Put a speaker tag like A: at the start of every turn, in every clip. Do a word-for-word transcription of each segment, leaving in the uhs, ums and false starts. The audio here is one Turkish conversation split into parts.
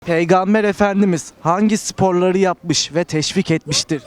A: Peygamber Efendimiz hangi sporları yapmış ve teşvik etmiştir?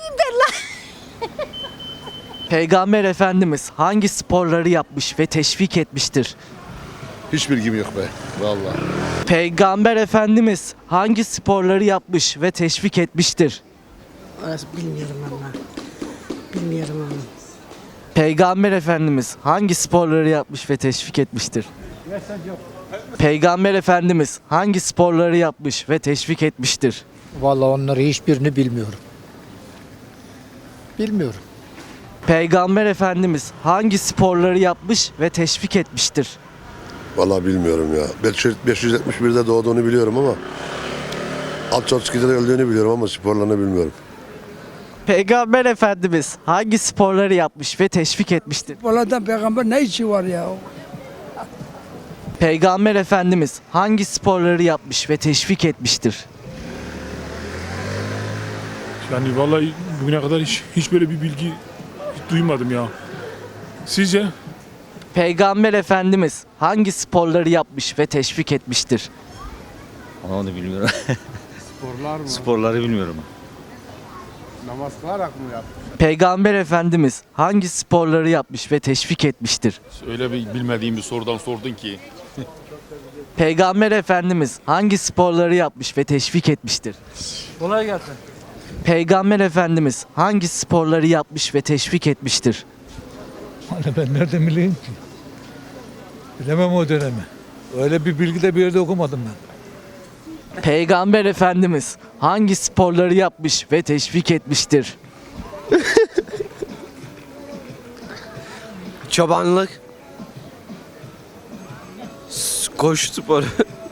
A: Peygamber Efendimiz hangi sporları yapmış ve teşvik etmiştir?
B: Hiç bilgim yok be. Vallahi.
A: Peygamber Efendimiz hangi sporları yapmış ve teşvik etmiştir?
C: Orası bilmiyorum ama. Bilmiyorum ama.
A: Peygamber Efendimiz hangi sporları yapmış ve teşvik etmiştir? Peygamber Efendimiz hangi sporları yapmış ve teşvik etmiştir?
D: Vallahi onları hiçbirini bilmiyorum. Bilmiyorum.
A: Peygamber Efendimiz hangi sporları yapmış ve teşvik etmiştir?
B: Vallahi bilmiyorum ya. beş yüz yetmiş birde doğduğunu biliyorum ama Alçoçki'de öldüğünü biliyorum ama sporlarını bilmiyorum.
A: Peygamber Efendimiz hangi sporları yapmış ve teşvik etmiştir?
E: Buradan peygamber ne işi var ya?
A: Peygamber Efendimiz hangi sporları yapmış ve teşvik etmiştir?
F: Yani vallahi bugüne kadar hiç hiç böyle bir bilgi hiç duymadım ya. Sizce?
A: Peygamber Efendimiz hangi sporları yapmış ve teşvik etmiştir?
G: Onu bilmiyorum.
H: Sporlar mı?
G: Sporları bilmiyorum.
H: Namaz kılarak mı yaptı?
A: Peygamber Efendimiz hangi sporları yapmış ve teşvik etmiştir?
F: Öyle bir bilmediğim bir sorudan sordun ki.
A: Peygamber Efendimiz hangi sporları yapmış ve teşvik etmiştir?
E: Kolay gelsin.
A: Peygamber Efendimiz hangi sporları yapmış ve teşvik etmiştir?
I: Hani ben nereden bileyim ki? Bilemem o dönemi. Öyle bir bilgi de bir yerde okumadım ben.
A: Peygamber Efendimiz hangi sporları yapmış ve teşvik etmiştir?
J: Çobanlık, koşu sporu.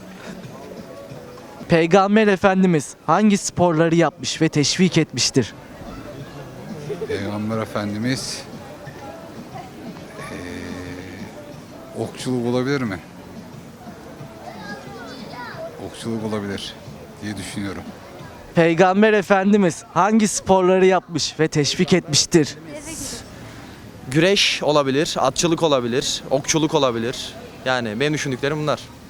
A: Peygamber Efendimiz hangi sporları yapmış ve teşvik etmiştir?
K: Peygamber Efendimiz eee, okçuluk olabilir mi? Okçuluk olabilir diye düşünüyorum.
A: Peygamber Efendimiz hangi sporları yapmış ve teşvik etmiştir?
J: Güreş olabilir, atçılık olabilir, okçuluk olabilir. Yani benim düşündüklerim bunlar.